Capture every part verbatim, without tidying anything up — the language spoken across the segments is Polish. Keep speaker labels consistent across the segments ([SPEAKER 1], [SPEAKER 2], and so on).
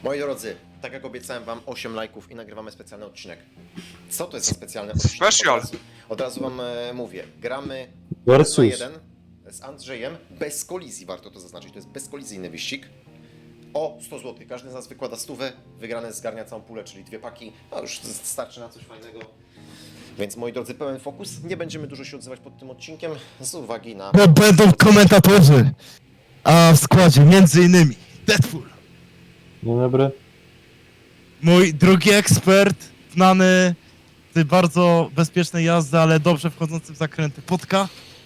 [SPEAKER 1] Moi drodzy, tak jak obiecałem wam osiem lajków i nagrywamy specjalny odcinek. Co to jest za specjalny odcinek?
[SPEAKER 2] Special.
[SPEAKER 1] Od razu, od razu wam e, mówię. Gramy
[SPEAKER 3] Versus.
[SPEAKER 1] jeden na jeden z Andrzejem bez kolizji, warto to zaznaczyć. To jest bezkolizyjny wyścig. O sto złotych. Każdy z nas wykłada stówę, wygrany zgarnia całą pulę, czyli dwie paki. No już starczy na coś fajnego. Więc moi drodzy, pełen fokus. Nie będziemy dużo się odzywać pod tym odcinkiem z uwagi na...
[SPEAKER 4] Bo będą komentatorzy, a w składzie między innymi Deadpool,
[SPEAKER 3] Dzień dobry.
[SPEAKER 4] mój drugi ekspert, znany z bardzo bezpiecznej jazdy, ale dobrze wchodzący w zakręty, Potka.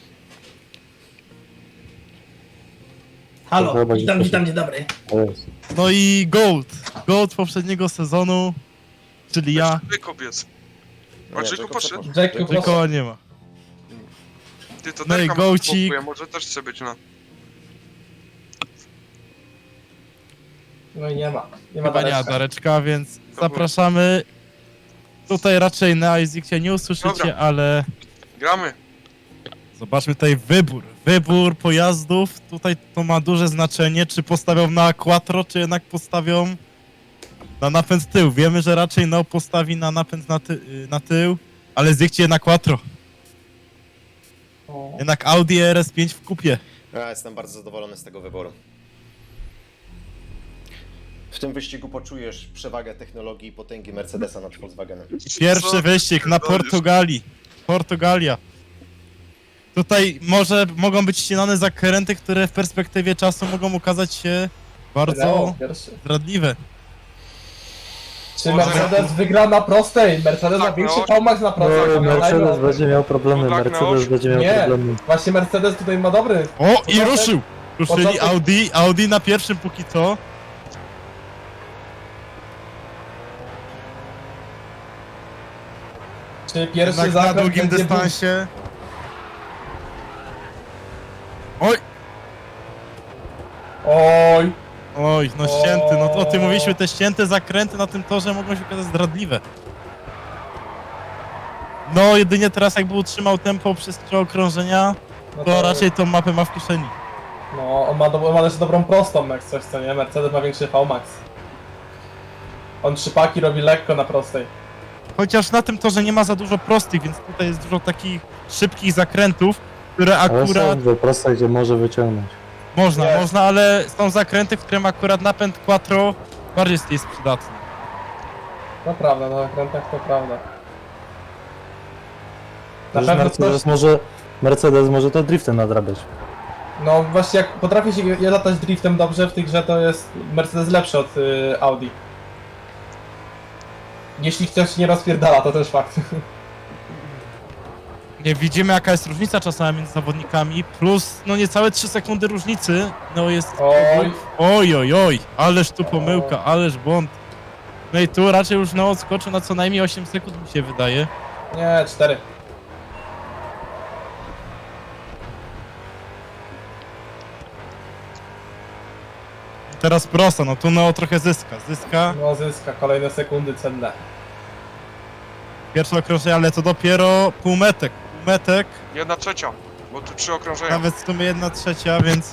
[SPEAKER 3] To chyba
[SPEAKER 5] Halo, witam,
[SPEAKER 3] nie
[SPEAKER 5] witam, dzień dobry.
[SPEAKER 3] To jest.
[SPEAKER 4] No i Gold, Gold poprzedniego sezonu, czyli ja,
[SPEAKER 2] Jacob jest.
[SPEAKER 1] Nie,
[SPEAKER 2] A Jacob
[SPEAKER 1] Jacob
[SPEAKER 2] poszedł?
[SPEAKER 1] poszedł.
[SPEAKER 5] Jacob
[SPEAKER 1] Jacob
[SPEAKER 4] tylko nie ma.
[SPEAKER 2] Ty to
[SPEAKER 4] No i
[SPEAKER 2] Derka
[SPEAKER 4] Gołcik.
[SPEAKER 2] blokuje, może też chce być na...
[SPEAKER 5] No i nie ma. Nie ma
[SPEAKER 4] Chyba nie ma
[SPEAKER 5] Dareczka.
[SPEAKER 4] Dareczka, więc zapraszamy. Tutaj raczej na Izikcie nie usłyszycie,
[SPEAKER 2] Dobra.
[SPEAKER 4] ale
[SPEAKER 2] Gramy.
[SPEAKER 4] zobaczmy tutaj wybór. Wybór pojazdów, tutaj to ma duże znaczenie, czy postawią na quattro, czy jednak postawią na napęd tył. Wiemy, że raczej no postawi na napęd na, ty na tył, ale zjechcie na quattro.
[SPEAKER 5] O.
[SPEAKER 4] Jednak Audi R S pięć w kupie.
[SPEAKER 1] Ja jestem bardzo zadowolony z tego wyboru. W tym wyścigu poczujesz przewagę technologii i potęgi Mercedesa nad Volkswagenem.
[SPEAKER 4] Pierwszy
[SPEAKER 2] Co?
[SPEAKER 4] wyścig na
[SPEAKER 2] Pierdolisz.
[SPEAKER 4] Portugalii. Portugalia. Tutaj może mogą być ścinane zakręty, które w perspektywie czasu mogą okazać się bardzo
[SPEAKER 5] Leo, pierwszy.
[SPEAKER 4] zdradliwe.
[SPEAKER 5] Czy
[SPEAKER 2] Może-
[SPEAKER 5] Mercedes wygra na prostej? Mercedes ma
[SPEAKER 2] Tak,
[SPEAKER 5] większy
[SPEAKER 2] no.
[SPEAKER 5] V-Max na prostej.
[SPEAKER 3] No,
[SPEAKER 5] pamiętajmy o
[SPEAKER 3] Mercedes
[SPEAKER 5] tym.
[SPEAKER 3] będzie miał problemy,
[SPEAKER 2] No tak,
[SPEAKER 3] Mercedes
[SPEAKER 2] no.
[SPEAKER 3] będzie miał
[SPEAKER 5] Nie.
[SPEAKER 3] problemy.
[SPEAKER 5] Właśnie Mercedes tutaj ma dobry.
[SPEAKER 4] O, i
[SPEAKER 5] Początek-
[SPEAKER 4] ruszył! Ruszyli
[SPEAKER 5] początek-
[SPEAKER 4] Audi, Audi na pierwszym póki co.
[SPEAKER 5] Czy pierwszy
[SPEAKER 4] Jednak na
[SPEAKER 5] zakręt
[SPEAKER 4] długim
[SPEAKER 5] będzie
[SPEAKER 4] dystansie. Oj,
[SPEAKER 5] Oj,
[SPEAKER 4] oj, no ścięty, no to o tym mówiliśmy, te ścięte zakręty na tym torze mogą się okazać zdradliwe. No, jedynie teraz jakby utrzymał tempo przez trzy okrążenia,
[SPEAKER 5] no
[SPEAKER 4] to raczej tą mapę ma w kieszeni.
[SPEAKER 5] No, on ma, do, on ma też dobrą prostą, jak coś, co nie? Mercedes ma większy V-Max. On trzy paki robi lekko na prostej.
[SPEAKER 4] Chociaż na tym torze nie ma za dużo prostych, więc tutaj jest dużo takich szybkich zakrętów, które
[SPEAKER 3] Ale
[SPEAKER 4] akurat
[SPEAKER 3] są dwie proste, gdzie może wyciągnąć.
[SPEAKER 4] można,
[SPEAKER 5] Jest.
[SPEAKER 4] można, ale są zakręty, w którym akurat napęd quattro bardziej jest przydatny.
[SPEAKER 5] To prawda, na zakrętach to prawda. Na
[SPEAKER 3] Przecież
[SPEAKER 5] pewno
[SPEAKER 3] Mercedes
[SPEAKER 5] ktoś,
[SPEAKER 3] może, Mercedes może to driftem nadrabiać.
[SPEAKER 5] no właśnie jak potrafi się je latać driftem dobrze w tej grze, to jest Mercedes lepszy od y, Audi. Jeśli ktoś nie rozpierdala, to też fakt.
[SPEAKER 4] Nie widzimy jaka jest różnica czasami między zawodnikami, plus no niecałe trzy sekundy różnicy, no jest...
[SPEAKER 5] Oj.
[SPEAKER 4] Oj, oj, oj, ależ tu pomyłka, ależ błąd. No i tu raczej już no odskoczył na co najmniej osiem sekund mi się wydaje.
[SPEAKER 5] Nie, cztery.
[SPEAKER 4] Teraz prosto, no tu no trochę zyska, zyska.
[SPEAKER 5] No zyska, kolejne sekundy cenne.
[SPEAKER 4] Pierwsze okrążenie, ale to dopiero półmetek, półmetek,
[SPEAKER 2] Jedna trzecia, bo tu trzy okrążenia.
[SPEAKER 4] nawet w sumie jedna trzecia, więc...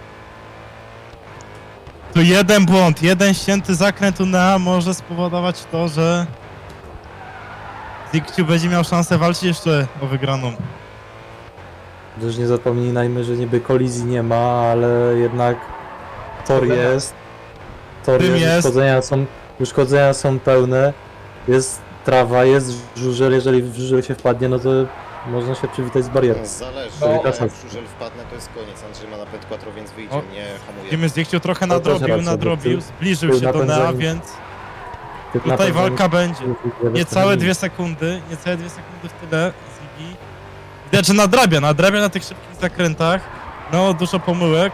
[SPEAKER 4] Tu jeden błąd, jeden ścięty zakręt U N E A może spowodować to, że... Zikciu będzie miał szansę walczyć jeszcze o wygraną.
[SPEAKER 3] Też nie zapominajmy, że niby kolizji nie ma, ale jednak tor
[SPEAKER 5] Uszkodzenia.
[SPEAKER 3] jest. Tor
[SPEAKER 4] Tym
[SPEAKER 3] jest,
[SPEAKER 4] jest.
[SPEAKER 3] Uszkodzenia, są, uszkodzenia są pełne. Jest trawa, jest żużel, jeżeli w żużel się wpadnie, no to można się przywitać z barierą.
[SPEAKER 1] Zależy,
[SPEAKER 5] No.
[SPEAKER 1] ale jak w żużel wpadnę, to jest koniec. Andrzej ma napęd quattro, więc wyjdzie,
[SPEAKER 4] O.
[SPEAKER 1] nie hamuje.
[SPEAKER 4] Widzimy, Zikciu trochę
[SPEAKER 3] To też
[SPEAKER 4] nadrobił,
[SPEAKER 3] racja,
[SPEAKER 4] nadrobił,
[SPEAKER 3] bo
[SPEAKER 4] zbliżył
[SPEAKER 3] tył
[SPEAKER 4] się do N E A,
[SPEAKER 3] napędzenie-
[SPEAKER 4] więc
[SPEAKER 3] Typ
[SPEAKER 4] tutaj
[SPEAKER 3] napędzony-
[SPEAKER 4] walka będzie. Niecałe dwie sekundy, niecałe dwie sekundy w tyle Ziggy. Widać, że nadrabia, nadrabia na tych szybkich zakrętach. No, dużo pomyłek.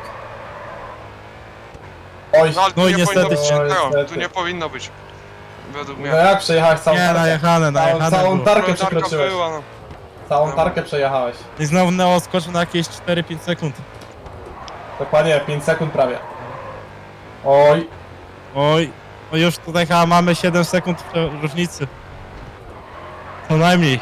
[SPEAKER 5] Oj,
[SPEAKER 2] No ale tu
[SPEAKER 4] No i
[SPEAKER 2] nie
[SPEAKER 4] niestety
[SPEAKER 2] powinno być,
[SPEAKER 5] się-
[SPEAKER 2] Leo,
[SPEAKER 5] niestety.
[SPEAKER 2] tu nie powinno być. Według mnie.
[SPEAKER 5] no jak przejechałeś całą
[SPEAKER 4] Nie,
[SPEAKER 5] tarkę?
[SPEAKER 4] najechane,
[SPEAKER 5] Całą,
[SPEAKER 4] najechane
[SPEAKER 5] całą
[SPEAKER 4] było.
[SPEAKER 5] tarkę
[SPEAKER 2] Tarka
[SPEAKER 5] przekroczyłeś.
[SPEAKER 2] była, no.
[SPEAKER 5] Całą tarkę przejechałeś.
[SPEAKER 4] I znowu Neo skoczył na jakieś cztery pięć sekund.
[SPEAKER 5] Dokładnie, pięć sekund prawie. Oj,
[SPEAKER 4] Oj, no już tutaj chyba mamy siedem sekund różnicy. Co najmniej.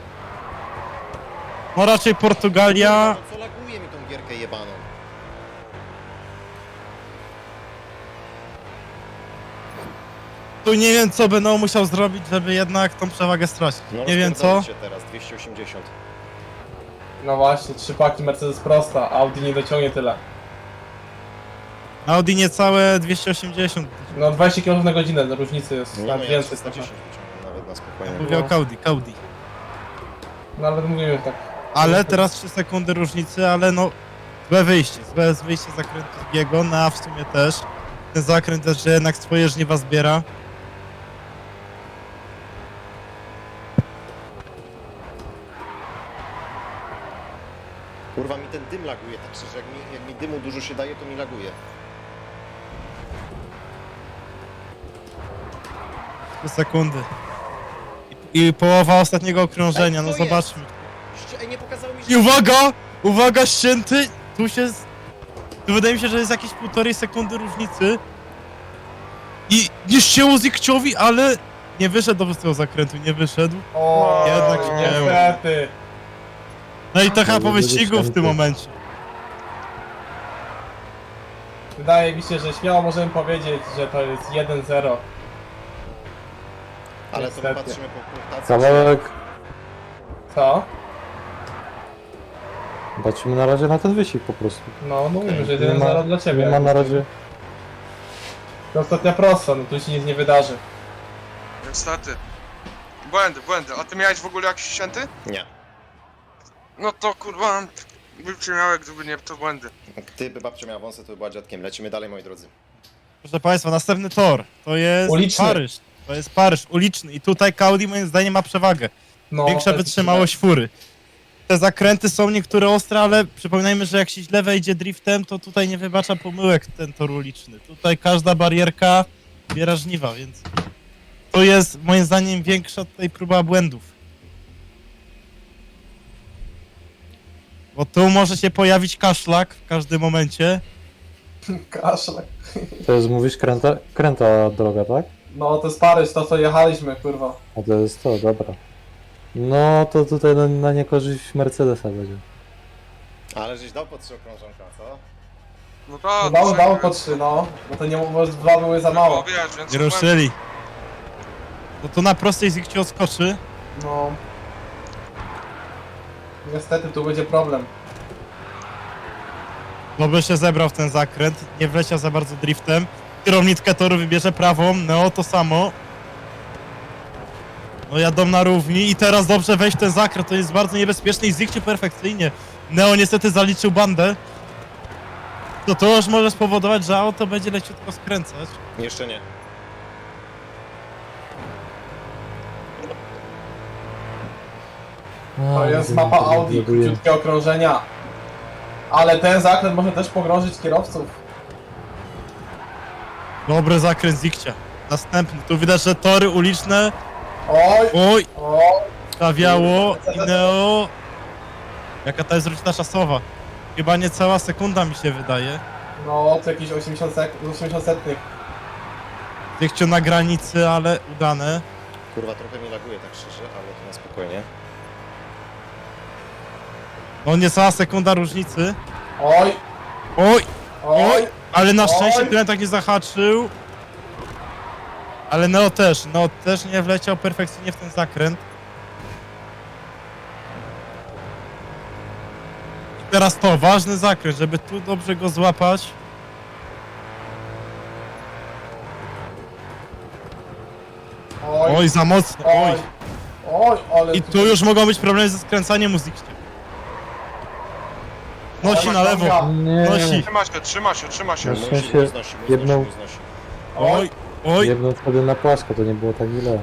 [SPEAKER 4] No raczej Portugalia.
[SPEAKER 1] Co laguje mi tą gierkę jebaną?
[SPEAKER 4] Tu nie wiem co będą musiał zrobić, żeby jednak tą przewagę stracić.
[SPEAKER 1] No,
[SPEAKER 3] Nie wiem co.
[SPEAKER 1] rozpierdolicie teraz, dwieście osiemdziesiąt.
[SPEAKER 5] No właśnie, trzy paki Mercedes prosta, Audi nie dociągnie tyle.
[SPEAKER 4] Audi niecałe dwieście osiemdziesiąt.
[SPEAKER 5] No dwadzieścia kilometrów na godzinę, różnicy jest
[SPEAKER 1] Nie,
[SPEAKER 5] nawet
[SPEAKER 1] no ja
[SPEAKER 5] więcej.
[SPEAKER 1] trzysta dziesięć wyciągnę nawet na spokojnie.
[SPEAKER 4] Mówię o Audi, Audi.
[SPEAKER 5] No ale mówimy tak.
[SPEAKER 4] Ale teraz trzy sekundy różnicy, ale no złe wyjście, złe wyjście z zakrętu drugiego, no a w sumie też. Ten zakręt też, że jednak swoje żniwa zbiera.
[SPEAKER 1] Kurwa, mi ten dym laguje, tak szczerze, jak mi, jak mi dymu dużo się daje, to mi laguje.
[SPEAKER 4] trzy sekundy. I, i połowa ostatniego okrążenia,
[SPEAKER 1] Ej,
[SPEAKER 4] no
[SPEAKER 1] co jest?
[SPEAKER 4] zobaczmy.
[SPEAKER 1] Ście- Ej, nie pokazało mi
[SPEAKER 4] I
[SPEAKER 1] się...
[SPEAKER 4] uwaga! Uwaga, ścięty! Tu się... z- Tu wydaje mi się, że jest jakieś półtorej sekundy różnicy. I nie ścięło Zikciowi, ale... Nie wyszedł dobrze z tego zakrętu, nie wyszedł.
[SPEAKER 5] O,
[SPEAKER 4] Jednak nie.
[SPEAKER 5] niestety.
[SPEAKER 4] No i to chyba
[SPEAKER 3] Ale
[SPEAKER 4] po
[SPEAKER 3] będzie
[SPEAKER 4] wyścigu w
[SPEAKER 3] ścięty.
[SPEAKER 4] tym momencie.
[SPEAKER 5] Wydaje mi się, że śmiało możemy powiedzieć, że to jest jeden zero.
[SPEAKER 1] Ale to my
[SPEAKER 5] Niestety.
[SPEAKER 1] patrzymy po punktacji.
[SPEAKER 3] Kawałek.
[SPEAKER 5] Co?
[SPEAKER 3] Patrzymy na razie na ten wyścig po prostu.
[SPEAKER 5] No, mówimy, że
[SPEAKER 3] Nie
[SPEAKER 5] jeden
[SPEAKER 3] ma-
[SPEAKER 5] zero dla ciebie.
[SPEAKER 3] Nie ma na razie.
[SPEAKER 5] To ostatnia prosta, no tu się nic nie wydarzy.
[SPEAKER 2] Niestety. Błędy, błędy. A ty miałeś w ogóle jakiś ścięty?
[SPEAKER 1] Nie.
[SPEAKER 2] No to kurwa, bym cię miał, gdyby nie to błędy.
[SPEAKER 1] Gdyby babcia miała wąsy, to by była dziadkiem. Lecimy dalej, moi drodzy.
[SPEAKER 4] Proszę Państwa, następny tor. To jest
[SPEAKER 5] Uliczny.
[SPEAKER 4] Paryż. To jest Paryż, uliczny. I tutaj Audi moim zdaniem ma przewagę.
[SPEAKER 5] No,
[SPEAKER 4] Większa
[SPEAKER 5] to jest
[SPEAKER 4] wytrzymałość fury. Te zakręty są niektóre ostre, ale przypominajmy, że jak się źle wejdzie driftem, to tutaj nie wybacza pomyłek ten tor uliczny. Tutaj każda barierka biera żniwa, więc to jest moim zdaniem większa tutaj próba błędów. Bo tu może się pojawić kaszlak w każdym momencie.
[SPEAKER 5] Kaszlak.
[SPEAKER 3] To jest, mówisz, kręta, kręta droga, tak?
[SPEAKER 5] No to jest Paryż, to co jechaliśmy, kurwa.
[SPEAKER 3] A to jest to, dobra. No to tutaj na, na niekorzyść Mercedesa będzie.
[SPEAKER 1] Ale żeś dał po trzy okrążonka, co?
[SPEAKER 2] No to...
[SPEAKER 5] Dało,
[SPEAKER 2] to-
[SPEAKER 5] dało po trzy, no. Bo to nie może dwa były za
[SPEAKER 2] No
[SPEAKER 5] mało.
[SPEAKER 2] wiesz, więc
[SPEAKER 4] Nie ruszyli. No to na prostej Zikci odskoczy.
[SPEAKER 5] No. Niestety tu będzie problem.
[SPEAKER 4] Dobrze się zebrał w ten zakręt, nie wleciał za bardzo driftem. Kierownickę toru wybierze prawą, Neo to samo. No jadą na równi i teraz dobrze wejść w ten zakręt, to jest bardzo niebezpieczny i Zikci perfekcyjnie. Neo niestety zaliczył bandę. To to już może spowodować, że auto będzie leciutko skręcać.
[SPEAKER 1] Jeszcze nie.
[SPEAKER 5] To jest mapa Audi, króciutkie okrążenia. Ale ten zakręt może też pogrążyć kierowców.
[SPEAKER 4] Dobry zakręt Zikcia. Następny, tu widać, że tory uliczne.
[SPEAKER 5] Oj,
[SPEAKER 4] Oj,
[SPEAKER 5] oj.
[SPEAKER 4] stawiało i Neo. Jaka to jest różnica czasowa? Chyba niecała sekunda mi się wydaje.
[SPEAKER 5] No, to jakieś osiemdziesiąt, sek osiemdziesiąt setnych.
[SPEAKER 4] Zikciu na granicy, ale udane.
[SPEAKER 1] Kurwa, trochę mi laguje, tak szczerze, ale to na spokojnie.
[SPEAKER 4] No niecała sekunda różnicy.
[SPEAKER 5] Oj,
[SPEAKER 4] Oj,
[SPEAKER 5] oj.
[SPEAKER 4] ale na szczęście
[SPEAKER 5] Oj.
[SPEAKER 4] tyle tak nie zahaczył. Ale Neo też, Neo też nie wleciał perfekcyjnie w ten zakręt. I teraz to, ważny zakręt, żeby tu dobrze go złapać.
[SPEAKER 5] Oj,
[SPEAKER 4] Oj, za mocno, oj.
[SPEAKER 5] oj. Oj, ale...
[SPEAKER 4] I tu już mogą być problemy ze skręcaniem muzyki. Nosi na lewo,
[SPEAKER 3] Nie,
[SPEAKER 4] nosi.
[SPEAKER 2] Trzyma się, trzyma się, trzyma się.
[SPEAKER 3] Na
[SPEAKER 1] Musi,
[SPEAKER 3] szczęście
[SPEAKER 1] mu znosi, mu
[SPEAKER 3] jedną-
[SPEAKER 1] znosi, mu znosi.
[SPEAKER 4] Oj, oj.
[SPEAKER 3] jedną wtedy na płasko, to nie było tak źle.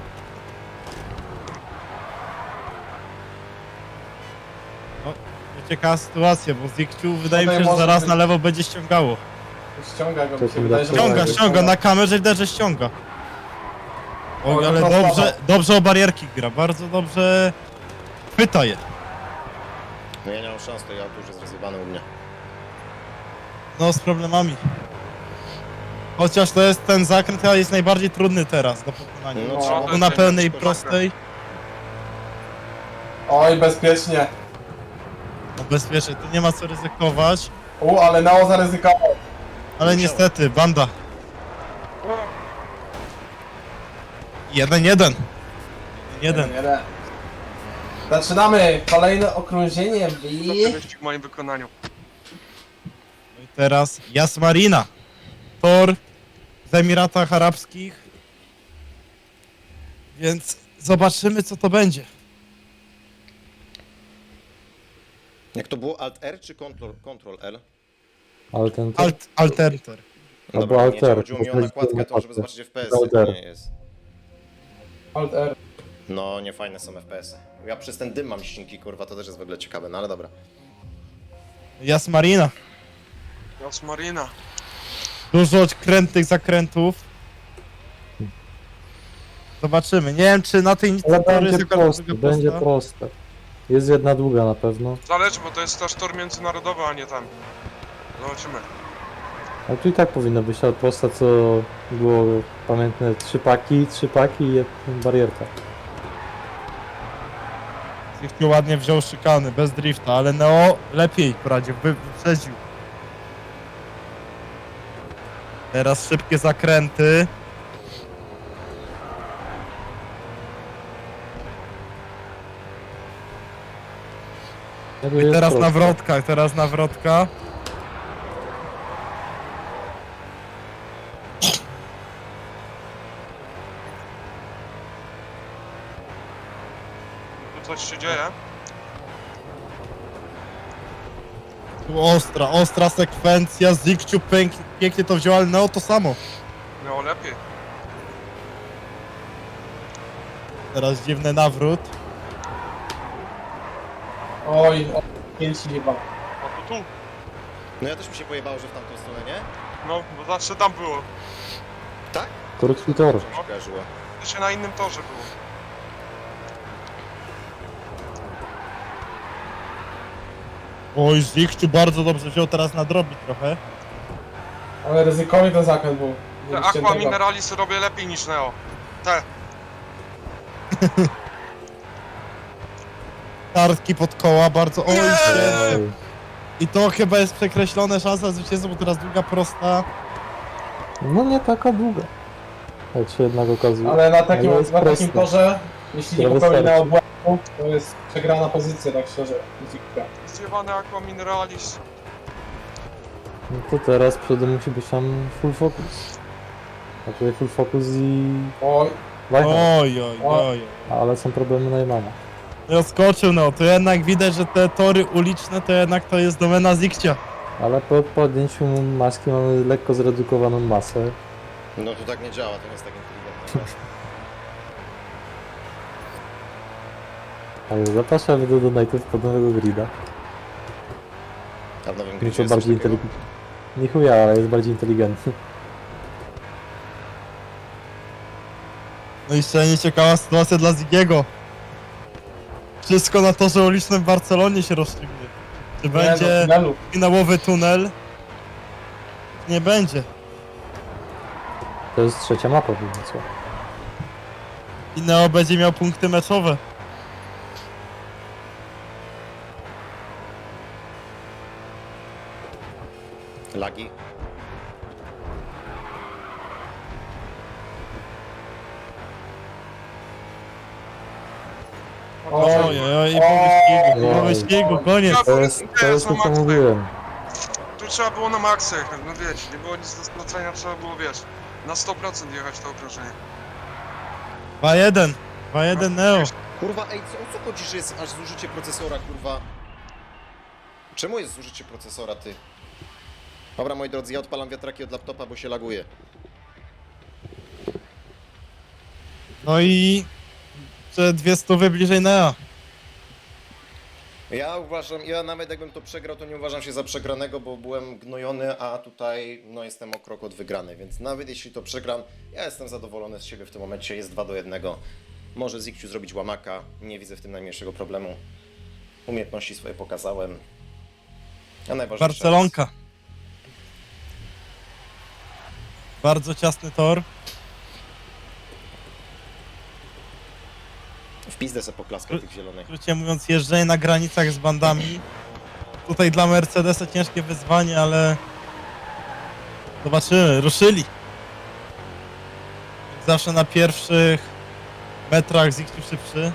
[SPEAKER 4] Ciekawa sytuacja, bo Zikciu wydaje mi
[SPEAKER 5] Tutaj
[SPEAKER 4] się, że
[SPEAKER 5] może
[SPEAKER 4] zaraz
[SPEAKER 5] być-
[SPEAKER 4] na lewo będzie ściągało.
[SPEAKER 5] Ściąga go,
[SPEAKER 3] To
[SPEAKER 5] mi się
[SPEAKER 3] tym
[SPEAKER 5] wydaje, że...
[SPEAKER 3] dlaczego?
[SPEAKER 4] Ściąga, ściąga, na kamerze widać, że ściąga. Oj,
[SPEAKER 5] Oj,
[SPEAKER 4] ale
[SPEAKER 5] no
[SPEAKER 4] dobrze,
[SPEAKER 5] słabo.
[SPEAKER 4] dobrze o barierki gra, bardzo dobrze chwyta je.
[SPEAKER 1] No ja nie mam szans, to ja tu już jest rozjebane u mnie.
[SPEAKER 4] No z problemami. Chociaż to jest ten zakręt, ale jest najbardziej trudny teraz do pokonania.
[SPEAKER 1] No,
[SPEAKER 5] No,
[SPEAKER 1] trzeba
[SPEAKER 4] Tu na
[SPEAKER 1] będzie
[SPEAKER 4] pełnej
[SPEAKER 1] szybko
[SPEAKER 4] prostej,
[SPEAKER 5] Oj, bezpiecznie.
[SPEAKER 4] no bezpiecznie, tu nie ma co ryzykować.
[SPEAKER 5] U, ale Neo zaryzykował.
[SPEAKER 4] Ale
[SPEAKER 1] Musiałem.
[SPEAKER 4] niestety, banda. Jeden, jeden. Jeden.
[SPEAKER 5] Jeden. Zaczynamy kolejne okrążenie
[SPEAKER 2] To
[SPEAKER 5] i...
[SPEAKER 2] wyścig w moim wykonaniu.
[SPEAKER 4] No i teraz Jasmarina. Tor w Emiratach Arabskich. Więc zobaczymy, co to będzie.
[SPEAKER 1] Jak to było Alt R czy Ctrl, Ctrl L?
[SPEAKER 3] Ale ten...
[SPEAKER 4] Alt, alterter.
[SPEAKER 3] Albo
[SPEAKER 1] Dobra, nie,
[SPEAKER 3] Alt R,
[SPEAKER 1] chodziło mi o
[SPEAKER 3] bo
[SPEAKER 1] nakładkę,
[SPEAKER 3] to
[SPEAKER 1] to żeby
[SPEAKER 3] jest
[SPEAKER 1] zobaczyć F P S,
[SPEAKER 3] Alt
[SPEAKER 1] jak
[SPEAKER 3] R.
[SPEAKER 1] nie jest.
[SPEAKER 5] Alt R.
[SPEAKER 1] No, nie fajne są F P S. Ja przez ten dym mam ścinki, kurwa, to też jest w ogóle ciekawe, no ale dobra.
[SPEAKER 4] Jasmarina.
[SPEAKER 2] Jasmarina.
[SPEAKER 4] Dużo krętych zakrętów. Zobaczymy. Nie wiem, czy na tej
[SPEAKER 3] Ale
[SPEAKER 4] tory jest
[SPEAKER 3] będzie
[SPEAKER 4] jakaś
[SPEAKER 3] proste,
[SPEAKER 4] druga
[SPEAKER 3] będzie
[SPEAKER 4] prosta.
[SPEAKER 3] proste. Jest jedna długa na pewno.
[SPEAKER 2] Zależy, bo to jest też tor międzynarodowy, a nie tam. Zobaczymy.
[SPEAKER 3] Ale tu i tak powinno być ale prosta, co było pamiętne. Trzy paki, trzy paki i jedna barierka.
[SPEAKER 4] Zifty ładnie wziął szykany, bez drifta, ale Neo lepiej poradził, wy- wyprzedził. Teraz szybkie zakręty.
[SPEAKER 3] Ja tu
[SPEAKER 4] I
[SPEAKER 3] jest
[SPEAKER 4] teraz
[SPEAKER 3] proste.
[SPEAKER 4] nawrotka, teraz nawrotka.
[SPEAKER 2] Tu coś się dzieje.
[SPEAKER 4] Tu ostra, ostra sekwencja, Zikciu pęk, pięknie to wziął, ale Neo to samo.
[SPEAKER 2] No lepiej.
[SPEAKER 4] Teraz dziwny nawrót.
[SPEAKER 5] Oj, o, pięć chyba.
[SPEAKER 2] A tu tu.
[SPEAKER 1] No ja też mi się pojebało, że w tamtą stronę, nie?
[SPEAKER 2] No, bo zawsze tam było.
[SPEAKER 1] Tak?
[SPEAKER 3] Krótki tor.
[SPEAKER 1] Mi się kojarzyło.
[SPEAKER 2] To się na innym torze było.
[SPEAKER 4] Oj, Zikciu bardzo dobrze wziął, teraz nadrobi trochę.
[SPEAKER 5] Ale ryzykowny ten zakręt był.
[SPEAKER 2] Te
[SPEAKER 5] Mieliście
[SPEAKER 2] Aqua
[SPEAKER 5] tego.
[SPEAKER 2] Mineralis robię lepiej niż Neo. Te.
[SPEAKER 4] Kartki pod koła, bardzo... Oj,
[SPEAKER 2] Nie!
[SPEAKER 4] się.
[SPEAKER 3] Oj.
[SPEAKER 4] I to chyba jest przekreślone, szansa zwycięstwa, bo teraz długa prosta.
[SPEAKER 3] No nie taka długa. Jak się jednak okazuje.
[SPEAKER 5] Ale na takim,
[SPEAKER 3] Ale jest
[SPEAKER 5] na takim
[SPEAKER 3] proste.
[SPEAKER 5] torze, jeśli nie
[SPEAKER 3] To
[SPEAKER 5] popełni na
[SPEAKER 3] wystarczy.
[SPEAKER 5] obłędu, to jest przegrana pozycja, tak szczerze. Zikka.
[SPEAKER 2] Zjebane Aqua Mineralis.
[SPEAKER 3] No to teraz przede musi być tam full focus. A tutaj full focus i...
[SPEAKER 5] Oj,
[SPEAKER 3] Wajcha.
[SPEAKER 4] Oj, oj, oj.
[SPEAKER 3] Ale są problemy Najmana.
[SPEAKER 4] Zaskoczył, no, to jednak widać, że te tory uliczne to jednak to jest domena Zikcia.
[SPEAKER 3] Ale po podjęciu maski mamy lekko zredukowaną masę.
[SPEAKER 1] No to tak nie działa, to nie jest tak inteligentne.
[SPEAKER 3] Ale zapraszamy do donate'ów pod nowego grida.
[SPEAKER 1] A w nowym
[SPEAKER 3] Nieco
[SPEAKER 1] gridzie jest
[SPEAKER 3] bardziej
[SPEAKER 1] coś takiego?
[SPEAKER 3] inteligentny. Nie chuja, ale jest bardziej inteligentny.
[SPEAKER 4] No i jeszcze nieciekawa sytuacja dla Zigiego. Wszystko na torze ulicznym w Barcelonie się rozstrzygnie. Czy
[SPEAKER 5] nie,
[SPEAKER 4] będzie
[SPEAKER 5] no, tunelu.
[SPEAKER 4] finałowy tunel? Nie będzie.
[SPEAKER 3] To jest trzecia mapa, więc co?
[SPEAKER 4] I Neo będzie miał punkty meczowe.
[SPEAKER 1] Lagi.
[SPEAKER 5] Oj,
[SPEAKER 4] Oj, oj, oj, i po wyścigu, po
[SPEAKER 3] Oj.
[SPEAKER 4] wyścigu, koniec.
[SPEAKER 3] To jest, to jest to, co mówiłem.
[SPEAKER 2] Tu trzeba było na maksa jechać, no wiecie, nie było nic do stracenia, trzeba było, wiesz, na sto procent jechać to okrążenie.
[SPEAKER 4] dwa jeden. dwa jeden Neo.
[SPEAKER 1] Kurwa, ej, co, o co chodzi, że jest aż zużycie procesora, kurwa? Czemu jest zużycie procesora, ty? Dobra, moi drodzy, ja odpalam wiatraki od laptopa, bo się laguje.
[SPEAKER 4] No i... Te dwie stówy bliżej Neo.
[SPEAKER 1] Ja uważam, ja nawet jakbym to przegrał, to nie uważam się za przegranego, bo byłem gnojony, a tutaj no jestem o krok od wygranej, więc nawet jeśli to przegram, ja jestem zadowolony z siebie w tym momencie, jest dwa do jednego. Może Zikciu zrobić łamaka, nie widzę w tym najmniejszego problemu. Umiejętności swoje pokazałem. A najważniejsza
[SPEAKER 4] Barcelonka. Bardzo ciasny tor.
[SPEAKER 1] W pizdę se poklaskał tych zielonych.
[SPEAKER 4] Krótko mówiąc, jeżdżenie na granicach z bandami. Tutaj dla Mercedesa ciężkie wyzwanie, ale... Zobaczymy, ruszyli. Jak zawsze na pierwszych metrach Zikciu szybszy.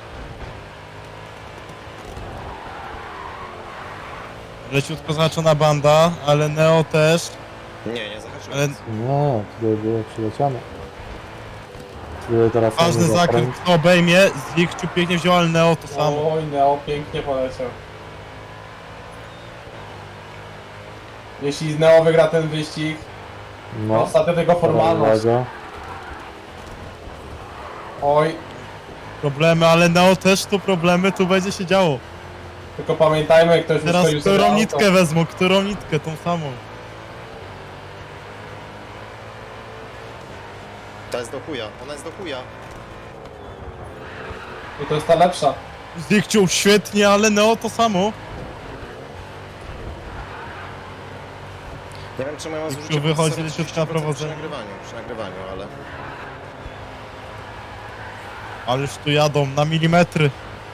[SPEAKER 4] Leciutko zahaczona banda, ale Neo też.
[SPEAKER 1] Nie, nie zahaczyłem.
[SPEAKER 4] Ale
[SPEAKER 3] Nie, tutaj było przyleciane. Tutaj teraz
[SPEAKER 4] ważny
[SPEAKER 3] mamy
[SPEAKER 4] zakręt,
[SPEAKER 3] zakręt.
[SPEAKER 4] kto obejmie. Zikciu pięknie wziął, ale Neo to samo.
[SPEAKER 5] Oj, Neo pięknie poleciał. Jeśli Neo wygra ten wyścig, no.
[SPEAKER 3] No,
[SPEAKER 5] ostatnio tylko formalność.
[SPEAKER 3] uwaga.
[SPEAKER 5] Oj,
[SPEAKER 4] Problemy, ale Neo też tu problemy, tu będzie się działo.
[SPEAKER 5] tylko pamiętajmy, ktoś
[SPEAKER 4] Teraz
[SPEAKER 5] uszkodził sobie
[SPEAKER 4] którą
[SPEAKER 5] auto.
[SPEAKER 4] nitkę wezmą, którą nitkę, tą samą.
[SPEAKER 1] Ta jest do chuja, ona jest do chuja.
[SPEAKER 5] I to jest ta lepsza.
[SPEAKER 4] Zikciu świetnie, ale Neo to samo.
[SPEAKER 1] Nie wiem, czemu ja mam
[SPEAKER 4] Zikciu
[SPEAKER 1] zużycie
[SPEAKER 4] wychodzi
[SPEAKER 1] procesora
[SPEAKER 4] leciutko na
[SPEAKER 1] trzydzieści procent
[SPEAKER 4] prowadzenie.
[SPEAKER 1] przy nagrywaniu, przy nagrywaniu, ale...
[SPEAKER 4] Ależ tu jadą na milimetry.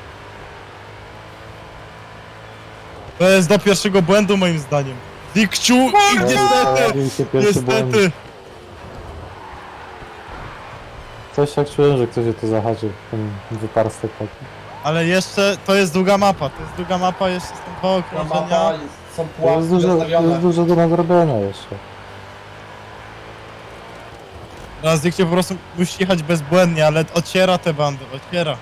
[SPEAKER 4] To jest do pierwszego błędu moim zdaniem. Zikciu i
[SPEAKER 3] No i
[SPEAKER 4] niestety,
[SPEAKER 3] pojawił się pierwszy błąd.
[SPEAKER 4] niestety.
[SPEAKER 3] Coś tak czułem, że ktoś się to zahaczył, ten wyparstek taki.
[SPEAKER 4] Ale jeszcze, to jest długa mapa, to jest długa mapa, jeszcze są dwa
[SPEAKER 5] Ta
[SPEAKER 4] okrążenia.
[SPEAKER 5] mapa, jest- są
[SPEAKER 3] To
[SPEAKER 5] pułapki
[SPEAKER 3] jest dużo, to
[SPEAKER 5] zostawione.
[SPEAKER 3] jest dużo do nadrobienia jeszcze.
[SPEAKER 4] Teraz Zikciu po prostu musi jechać bezbłędnie, ale ociera te bandy, ociera.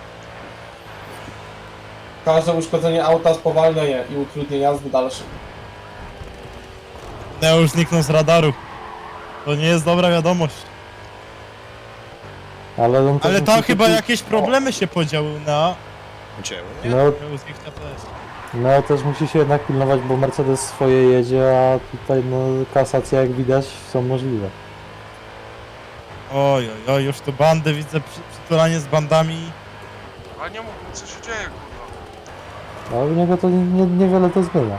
[SPEAKER 5] Każde uszkodzenie auta spowalnia je i utrudnia jazdy dalsze.
[SPEAKER 4] Neo już zniknął z radaru. To nie jest dobra wiadomość.
[SPEAKER 3] Ale on też
[SPEAKER 4] Ale tam
[SPEAKER 3] musi
[SPEAKER 4] chyba
[SPEAKER 3] kupić-
[SPEAKER 4] jakieś problemy się podziały na...
[SPEAKER 1] Gdzie? u mnie?
[SPEAKER 3] No,
[SPEAKER 4] u Zikcia też.
[SPEAKER 3] no też musi się jednak pilnować, bo Mercedes swoje jedzie, a tutaj no kasacje jak widać są możliwe.
[SPEAKER 4] Oj, oj, oj, już tu bandy widzę, przy, przytulanie z bandami.
[SPEAKER 2] Ale nie mów, co się dzieje, kurwa.
[SPEAKER 3] A u niego to nie- nie- niewiele to zmienia.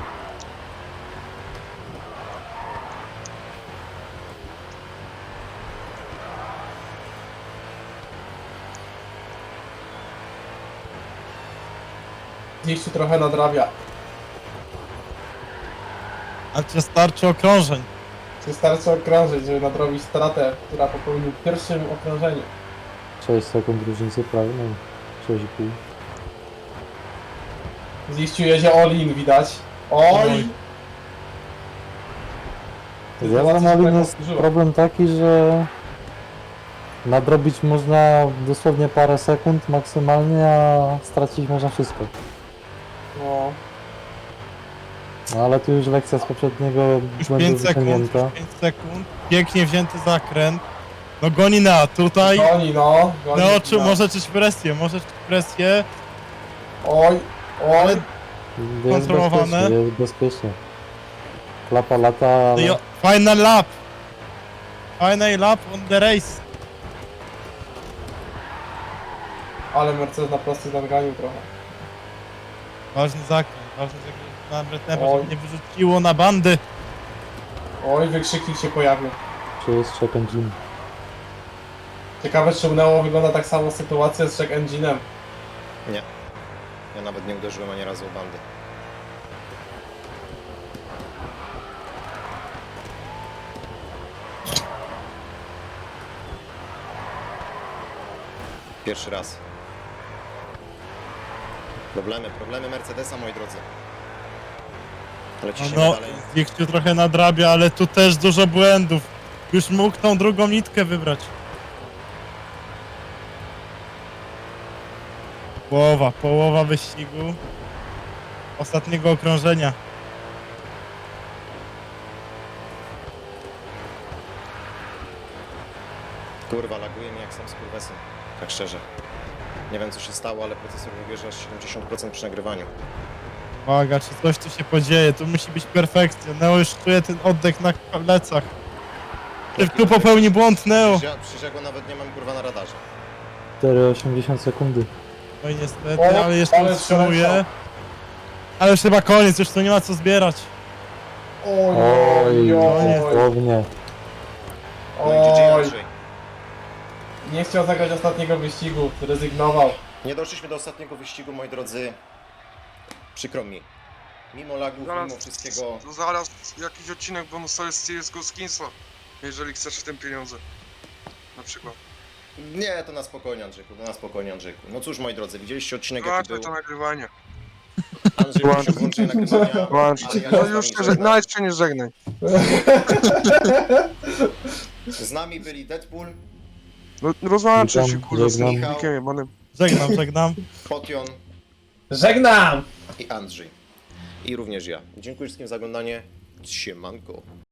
[SPEAKER 5] Gdzieś tu trochę nadrabia.
[SPEAKER 4] A czy starczy okrążeń?
[SPEAKER 5] Wystarczy okrążyć, żeby nadrobić stratę, która popełnił w pierwszym okrążeniu.
[SPEAKER 3] sześć sekund różnicy prawie, no sześć i pół.
[SPEAKER 5] Ziściu jedzie all-in, widać. Oj!
[SPEAKER 4] Oj.
[SPEAKER 3] Z Yamaha jest problem taki, że nadrobić można dosłownie parę sekund maksymalnie, a stracić można wszystko.
[SPEAKER 5] No,
[SPEAKER 3] No ale tu już lekcja z poprzedniego
[SPEAKER 4] Już
[SPEAKER 3] błędu
[SPEAKER 4] pięć sekund,
[SPEAKER 3] wyciągnięta.
[SPEAKER 4] już pięć sekund. Pięknie wzięty zakręt. No goni na, tutaj.
[SPEAKER 5] goni no, goni.
[SPEAKER 4] No, czy
[SPEAKER 5] no.
[SPEAKER 4] może czuć presję, może czuć presję.
[SPEAKER 5] Oj,
[SPEAKER 4] Ale
[SPEAKER 5] oj,
[SPEAKER 3] Jest
[SPEAKER 4] kontrolowane.
[SPEAKER 3] bezpiecznie, jest bezpiecznie. Klapa lata, ale...
[SPEAKER 4] jo, final lap. Final lap on the race.
[SPEAKER 5] ale Mercedes na prostych nadganiu trochę.
[SPEAKER 4] Ważny zakręt, ważny zakręt na Bretnewa,
[SPEAKER 5] Oj.
[SPEAKER 4] żeby nie wyrzuciło na bandy.
[SPEAKER 5] Oj, wykrzyknik się pojawił.
[SPEAKER 3] Czy jest check engine?
[SPEAKER 5] Ciekawe, czy u Neo wygląda tak samo sytuacja z check engine'em.
[SPEAKER 1] Nie. Ja nawet nie uderzyłem ani razu o bandy. Pierwszy raz. Problemy, problemy Mercedesa, moi drodzy. Ale
[SPEAKER 4] No,
[SPEAKER 1] ciśniemy
[SPEAKER 4] no
[SPEAKER 1] dalej.
[SPEAKER 4] Zikciu trochę nadrabia, ale tu też dużo błędów. Już mógł tą drugą nitkę wybrać. Połowa, połowa wyścigu. Ostatniego okrążenia.
[SPEAKER 1] Kurwa, laguje mi jak sam skurwesem. Tak szczerze. Nie wiem co się stało, ale procesor wybierze aż siedemdziesiąt procent przy nagrywaniu.
[SPEAKER 4] Uwaga, czy coś tu się podzieje, tu musi być perfekcja. Neo już czuje ten oddech na plecach. Czy tu popełni błąd Neo?
[SPEAKER 1] Przecież ja, przecież ja go nawet nie mam kurwa na radarze.
[SPEAKER 3] cztery przecinek osiemdziesiąt sekundy.
[SPEAKER 4] No i niestety,
[SPEAKER 5] O,
[SPEAKER 4] ale jeszcze
[SPEAKER 5] ale
[SPEAKER 4] utrzymuje.
[SPEAKER 5] przeleciał.
[SPEAKER 4] Ale już chyba koniec, już tu nie ma co zbierać.
[SPEAKER 5] Oj,
[SPEAKER 3] Oj,
[SPEAKER 5] oj, oj,
[SPEAKER 3] dosłownie.
[SPEAKER 1] No i G G
[SPEAKER 5] oj.
[SPEAKER 1] Andrzej.
[SPEAKER 5] Nie chciał zagrać ostatniego wyścigu, zrezygnował.
[SPEAKER 1] Nie doszliśmy do ostatniego wyścigu, moi drodzy. Przykro mi. Mimo lagów,
[SPEAKER 2] Zaraz,
[SPEAKER 1] mimo wszystkiego.
[SPEAKER 2] zaraz jakiś odcinek bonus z C S G O Skinsa, jeżeli chcesz w tym pieniądze. Na przykład.
[SPEAKER 1] Nie, to na spokojnie, Andrzejku, to na spokojnie, Andrzejku. No cóż, moi drodzy, widzieliście odcinek, jaki
[SPEAKER 2] Zobaczmy
[SPEAKER 1] był.
[SPEAKER 2] to nagrywanie.
[SPEAKER 1] Andrzej musi włączyć nagrywania.
[SPEAKER 2] Włączcie.
[SPEAKER 1] ale ja
[SPEAKER 2] No
[SPEAKER 1] się z
[SPEAKER 2] już
[SPEAKER 1] wami
[SPEAKER 2] się,
[SPEAKER 1] żegnam.
[SPEAKER 2] nawet się nie żegnaj.
[SPEAKER 1] Z nami byli Deadpool,
[SPEAKER 2] No rozłączę się,
[SPEAKER 3] Witam,
[SPEAKER 2] kurde, z tym
[SPEAKER 3] żegnam.
[SPEAKER 2] filmikiem jebanym.
[SPEAKER 4] Żegnam, żegnam.
[SPEAKER 1] Potion
[SPEAKER 5] Żegnam!
[SPEAKER 1] i Andrzej. I również ja. Dziękuję wszystkim za oglądanie. Siemanko.